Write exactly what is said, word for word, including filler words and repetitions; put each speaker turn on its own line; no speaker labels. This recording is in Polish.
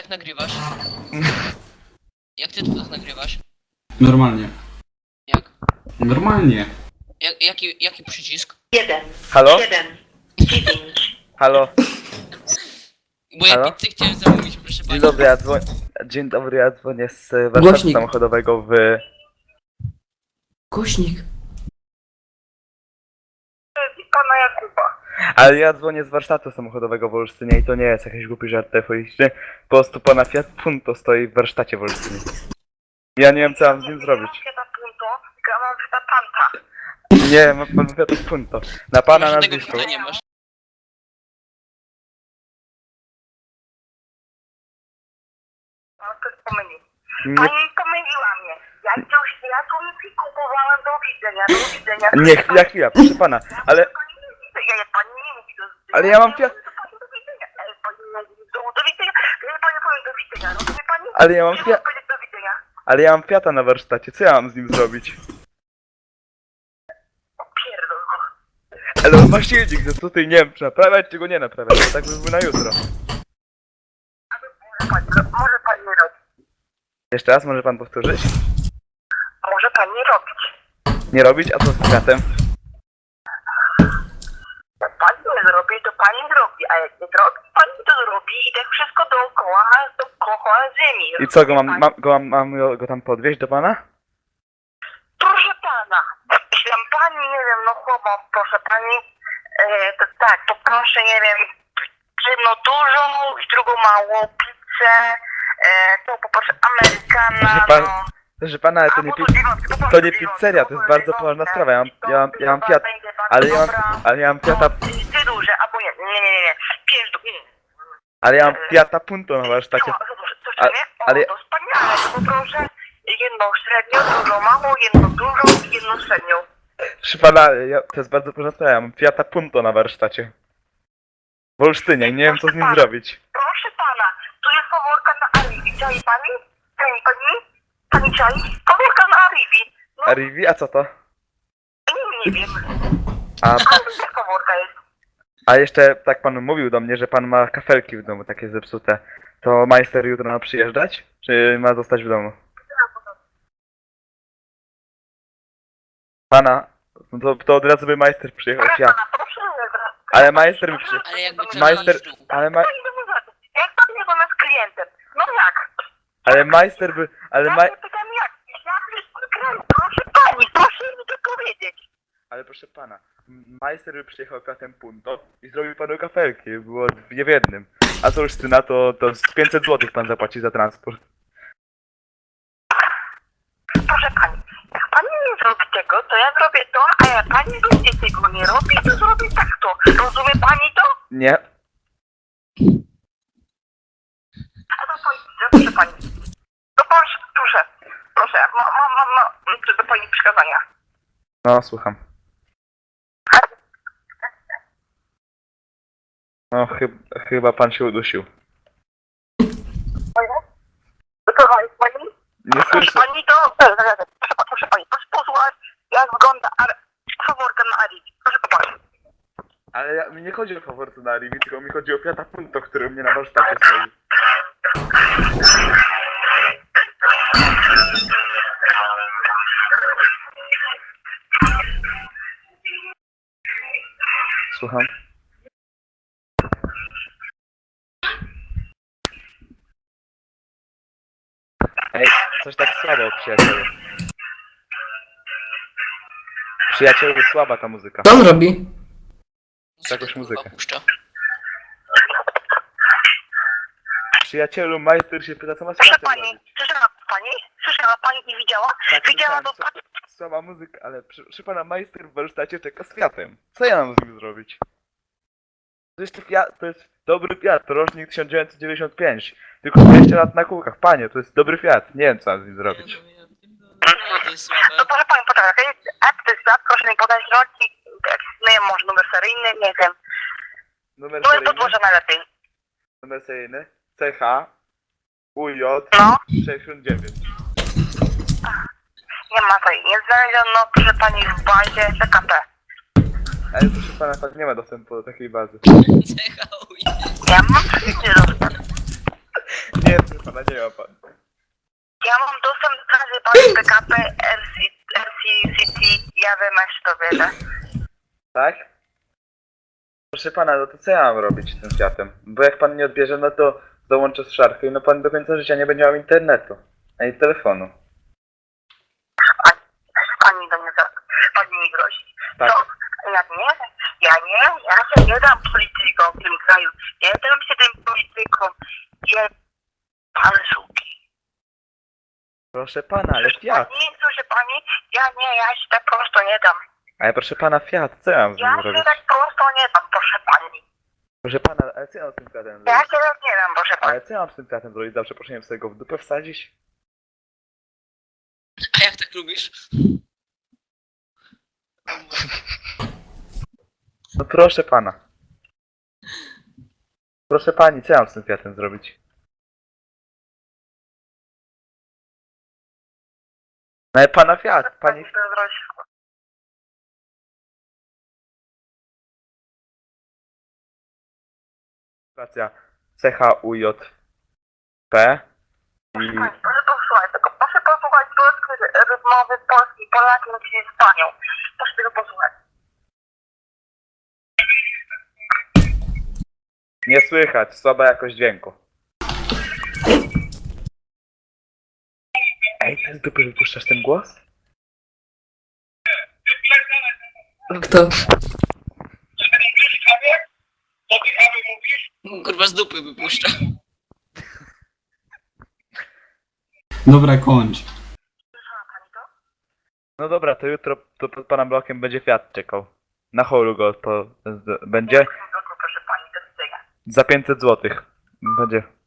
tak nagrywasz? Jak ty to tak nagrywasz?
Normalnie.
Jak?
Normalnie.
Jak jaki, jaki przycisk?
Jeden,
Halo?
siedem, dziewięć.
Halo?
Bo ja
Halo?
pizzę chciałem zamówić, proszę
Dzień
pani.
dobry, ja dzwonię. Dzień dobry, ja dzwonię z warsztatu
Głośnik.
samochodowego w...
Głośnik.
Pana Jakuba.
Ale ja dzwonię z warsztatu samochodowego w Olsztynie i to nie jest jakiś głupi żart telefoniczny. Po prostu pana Fiat Punto stoi w warsztacie w Olsztynie. Ja nie wiem co mam z nim zrobić.
Ja mam Punto, tylko ja mam Fiata Panta.
Nie, ma pan Fiat Punto. Na pana
Może tego
nazwisko.
Fiata nie masz.
No to jest pomylił.
Nie,
Pani pomyliła mnie. Ja coś, ja tu nic nie kupowałem, do widzenia, do widzenia.
nie, chwila, chwila, proszę pana, ale...
Pani nie widzę, ja, jak pani nie mówi do widzenia.
Ale ja mam Fiat...
To pani do widzenia. Ale pani nie mówi do, do widzenia. Ja pani powiem do widzenia. Rozumie pani?
Ale ja mam
Nie
Fiat...
mogę powiedzieć do widzenia.
Ale ja mam Fiata na warsztacie, co ja mam z nim zrobić?
Pierdol.
Ale on ma silnik, że tutaj nie wiem, czy naprawiać, czy go nie naprawiać, to tak by było na jutro.
Może pani, może pani nie robić.
Jeszcze raz, może pan powtórzyć?
Może pani nie robić.
Nie robić, a co z Fiatem?
Jak pani nie zrobi, to pani zrobi, a jak nie zrobi, pani to zrobi i tak wszystko dookoła, dookoła ziemi.
I co, go mam, mam, go, mam, mam go tam podwieźć do pana?
Proszę pana, jeśli tam pani, nie wiem, no chłopak, proszę pani, e, to tak, to proszę, nie wiem, jedno dużą i drugą małą pizzę, e, to poproszę Amerykana,
Proszę pan-
no.
Proszę pana, ale to nie,
Albo
pi-
dziewiątkę,
to
poproszę
nie
dziewiątkę,
pizzeria, to jest bardzo
dziewiątkę,
poważna sprawa, ja mam, ja mam, ja mam
to
Fiat,
będzie bardzo
ale ja mam,
dobra.
ale ja mam Fiata,
No, ty duże, albo nie, nie, nie, nie, nie, pięć do, nie.
ale ja mam Fiata Punto na warsztacie.
No, zobacz, coś
A-
tam nie? O,
ale-
to wspaniale, to poproszę jedną średnią, drugą małą, jedną dużą i jedną średnią.
Proszę pana, ja, to jest bardzo poważna sprawa, ja mam Fiata Punto na warsztacie. W Olsztynie i nie wiem co z nim zrobić.
Proszę pana, tu jest komórka na Arrivi, czai pani? Czai pani? Pani czai? Komórka na Arrivi. No,
A Rivi, a co to?
nie, nie wiem.
A,
Ale to komórka jest.
a jeszcze tak pan mówił do mnie, że pan ma kafelki w domu takie zepsute. To majster jutro ma przyjeżdżać? Czy ma zostać w domu? Pana, no to, to od razu by majster przyjechał,
Proszę
ja.
pana, proszę.
Ale majster by przyjechał.
Ale jakby co
Majster,
na dół.
ale, ma,
Co idę za to? Jak pan nie z klientem? No jak?
ale majster by, ale
Ja
ma,
się pytam jak? Jak jest klient? Proszę pani, proszę mi to powiedzieć.
ale proszę pana, majster by przyjechał Fiatem Punto i zrobił panu kafelki, było dwie w jednym. A co już na to, to z pięćset złotych pan zapłaci za transport.
Proszę pani, jak pani nie zrobi tego, to ja zrobię to, a jak pani będzie tego nie robi, to zrobię tak to. Rozumie pani to?
Nie,
A to pani, proszę pani. No proszę, proszę, proszę, mam, mam, mam, mam do pani przykazania.
no słucham. No chyb, chyba pan się udusił.
To pani?
Nie
Proszę
słyszę.
pani to, proszę, proszę, proszę pani, proszę posłuchać, jak wygląda ar- faworka na Arivi. Proszę popatrzeć.
Ale ja, mi nie chodzi o faworce na Rivi, tylko mi chodzi o Fiata Punto, który u mnie na warsztacie stoi. Słucham. Ej, coś tak słabo, przyjacielu. Przyjacielu, słaba ta muzyka.
Co on robi?
Jakąś muzykę.
Puszcza.
Przyjacielu, majster się pyta, co ma z
Proszę
Fiatem
pani,
robić.
słyszała pani? Słyszała pani i widziała?
Tak,
Widziała
słyszałem,
to pani?
Słaba muzyka, ale przy, przy pana majster w warsztacie czeka z Fiatem. Co ja mam z nim zrobić? To jest, Fiat, to jest dobry Fiat, to rocznik tysiąc dziewięćset dziewięćdziesiąt pięć. Tylko dwieście lat na kółkach. Panie, to jest dobry Fiat. Nie wiem, co mam z nim zrobić.
No to jest
No
słabe.
proszę pani, poczekaj, jaki jest app, to jest app, proszę mi podać rocznik, jakiś, nie wiem, może numer seryjny, nie wiem.
Numer
Numer
seryjny,
podłoża najlepiej.
numer seryjny, C H, U J,
No,
sześćdziesiąt dziewięć.
nie ma tej, nie znaleziono, proszę pani, w bazie C K P.
Ale proszę pana, pan nie ma dostępu do takiej bazy.
C H U.
Ja mam wszędzie dostęp.
Nie, ma pan.
Ja mam dostęp do każdej pani P K P, R C C T, ja wiem, jak to wiedzę.
Tak? Proszę pana, no to co ja mam robić z tym światem? Bo jak pan nie odbierze, no to dołączę z szarką i no pan do końca życia nie będzie miał internetu, ani telefonu.
Pani do mnie, za- pani mi grozi.
Tak.
To ja nie, ja nie, ja się nie dam politykom w tym kraju. Nie dam się tym politykom. Nie, pan suki.
Proszę pana, ale Fiat.
Nie, słyszy pani? Ja nie, ja się tak prosto nie dam.
Ale proszę pana, Fiat, co ja mam z nim
Ja się
zrobić?
tak prosto nie dam, proszę pani.
Proszę pana, ale co ja mam z tym Fiatem
Ja
zrobić?
się tak nie dam, proszę pani.
Ale co ja mam z tym Fiatem zrobić? Za przeproszeniem sobie go w dupę wsadzić?
A jak tak lubisz?
No proszę pana. Proszę pani, co ja mam z tym Fiatem zrobić? No ale pana Fiat, pani... Stacja C H U J P i...
Proszę posłuchać, tylko proszę posłuchać polskiej rozmowy Polski, Polakiem czy Hiszpanią. Proszę tego posłuchać.
Nie słychać, słaba jakość dźwięku. Ej, ty z dupy wypuszczasz ten głos?
Kto? Kurwa z dupy wypuszcza.
Dobra, kończ.
No dobra, to jutro to pod pana blokiem będzie Fiat czekał. Na holu go to z- będzie
Proszę pani, do widzenia.
za pięćset złotych. Będzie